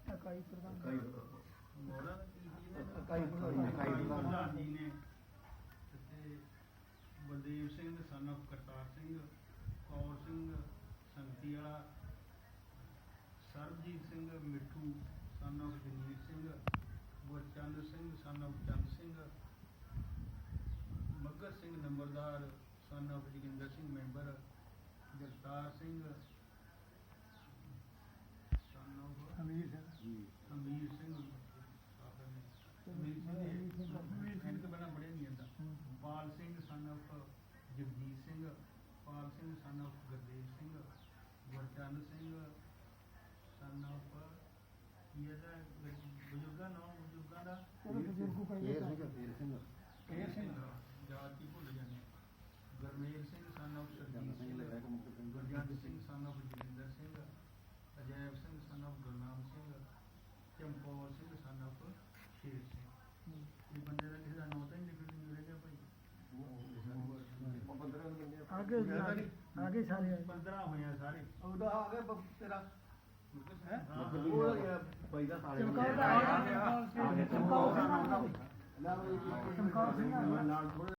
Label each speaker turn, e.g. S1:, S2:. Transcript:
S1: ਇਕਾਈ ਪ੍ਰਧਾਨ
S2: ਜੀ ਨੇ ਬਲਦੇਵ ਸਿੰਘ son of ਕਰਤਾਰ ਸਿੰਘ, ਕੌਰ ਸਿੰਘ ਸੰਗਤੀ ਵਾਲਾ, ਸਰਬਜੀਤ ਸਿੰਘ ਮਿੱਠੂ son of Jagir Singh, ਗੁਰਚੰਦ Singh son of ਚੰਦ ਸਿੰਘ, ਮੱਘਰ ਸਿੰਘ ਨੰਬਰਦਾਰ son of Joginder Singh member, Jagtar Singh son of
S1: Amir Singh
S2: Amir Singh ਤੋਂ ਪਹਿਲਾਂ ਪੜ੍ਹਿਆ ਨਹੀਂ ਜਾਂਦਾ, ਪਾਲ Singh son of Jagjit Singh, Pal Singh son of Gurdev Singh, ਗੁਰਚੰਦ Singh son of ਕੀ ਇਹਦਾ ਬਜ਼ੁਰਗਾਂ ਦਾ
S1: ਬਜ਼ੁਰਗੂ
S2: ਕੇਰ ਸਿੰਘ ਜਾਤੀ ਭੁੱਲ ਜਾਂਦੇ, Gurmel Singh son of Surjit Singh, Gurjant Singh son of Joginder Singh, Ajaib Singh son of Gurnam Singh, Chamkaur Singh son of ਸ਼ੇਰ ਸਿੰਘ। ਇਹ ਬੰਦੇ ਦਾ ਕਿਸੇ ਦਾ ਨਾਂ ਤਾਂ ਨਹੀਂ ਲਿਖਣ ਨੂੰ ਮਿਲ ਗਿਆ ਭਾਈ।
S1: ਆਗੇ ਆਗੇ ਸਾਰੇ ਆਏ
S2: 15 ਹੋਇਆ ਸਾਰੇ।
S3: ਉਹਦਾ ਆ ਗਿਆ ਤੇਰਾ
S2: ਭਾਈ ਦਾ ਸਾਰੇ
S1: ਚਮਕੌਰ ਦਾ ਆਇਆ ਚਮਕੌਰ ਸਿੰਘ
S3: ਚਮਕੌਰ ਸਿੰਘ
S1: ਚਮਕੌਰ ਸਿੰਘ
S3: ਨਾਲ ਥੋੜਾ